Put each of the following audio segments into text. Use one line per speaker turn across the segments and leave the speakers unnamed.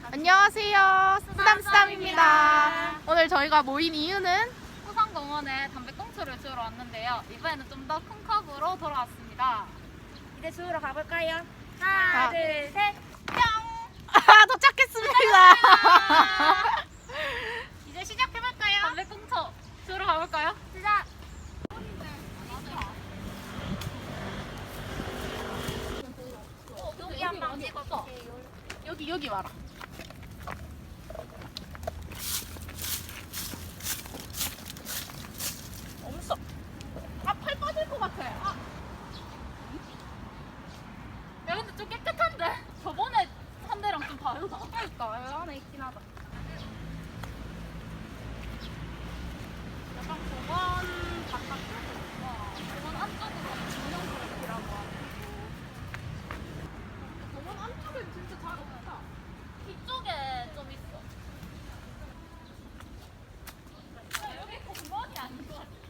안녕하세요. 쓰담쓰담입니다. 오늘 저희가 모인 이유는
후성공원에 담배꽁초를 주우러 왔는데요. 이번에는 좀 더 큰 컵으로 돌아왔습니다.
이제 주우러 가볼까요?
하나,
둘, 셋.
도착했습니다.
이제 시작해볼까요?
담배꽁초 주우러 가볼까요?
시작! 여기 한 방 찍어주세요.
여기 와라. 없어. 팔 빠질 것 같아.
야 근데 좀 깨끗한데? 저번에 한 대랑 좀 다르다.
그러니까 여기 안에 있긴 하다.
약간 공원 바깥쪽으로 공원 안쪽으로 공룡그룹이라고 하고
공원 안쪽엔 진짜 잘 없다.
뒤쪽에 좀 있어. 여기 공원이 아닌 것 같아.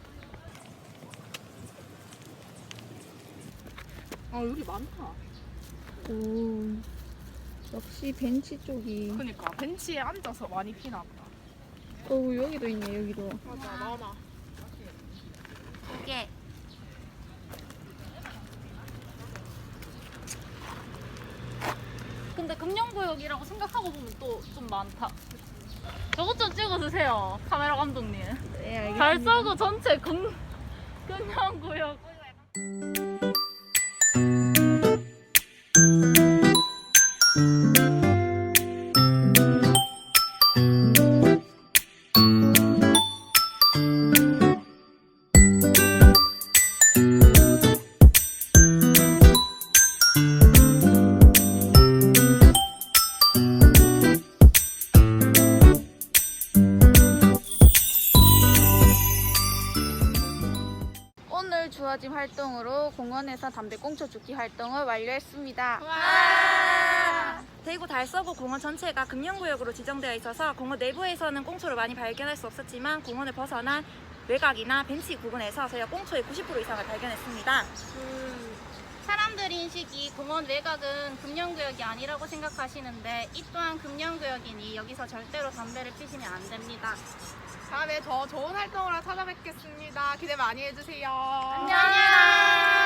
여기 많다.
오, 역시 벤치 쪽이.
그니까 벤치에 앉아서 많이 피나 보다.
오, 여기도 있네, 여기도.
맞아, 많아.
두 개.
근데 금연구역이라고 생각하고 보면 또 좀 많다. 저것 좀 찍어주세요, 카메라 감독님.
네, 알겠습니다.
달서구 전체 금연구역.
오늘 주어진 활동으로 공원에서 담배꽁초 줍기 활동을 완료했습니다.
대구 달서구 공원 전체가 금연구역으로 지정되어 있어서 공원 내부에서는 꽁초를 많이 발견할 수 없었지만 공원을 벗어난 외곽이나 벤치 부근에서 저희가 꽁초의 90% 이상을 발견했습니다.
사람들 인식이 공원 외곽은 금연구역이 아니라고 생각하시는데 이 또한 금연구역이니 여기서 절대로 담배를 피시면 안 됩니다.
다음에 더 좋은 활동으로 찾아뵙겠습니다. 기대 많이 해주세요.
안녕!